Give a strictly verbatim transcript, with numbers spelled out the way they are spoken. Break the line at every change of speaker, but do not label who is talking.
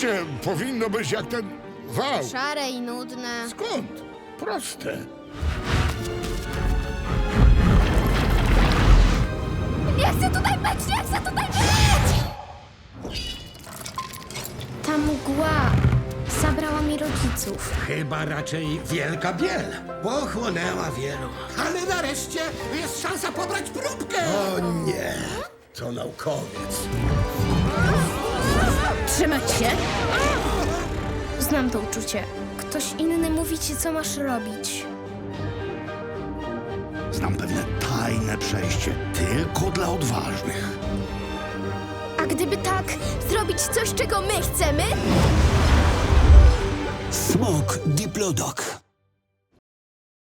Życie powinno być jak ten wał.
Szare i nudne.
Skąd? Proste.
Nie chcę tutaj być! Nie chcę tutaj być! Ta mgła zabrała mi rodziców.
Chyba raczej wielka biel.
Pochłonęła wielu. Ale nareszcie jest szansa pobrać próbkę!
O nie, to naukowiec.
Trzymać się! Znam to uczucie. Ktoś inny mówi ci, co masz robić.
Znam pewne tajne przejście tylko dla odważnych.
A gdyby tak, zrobić coś, czego my chcemy?
Smok Diplodok.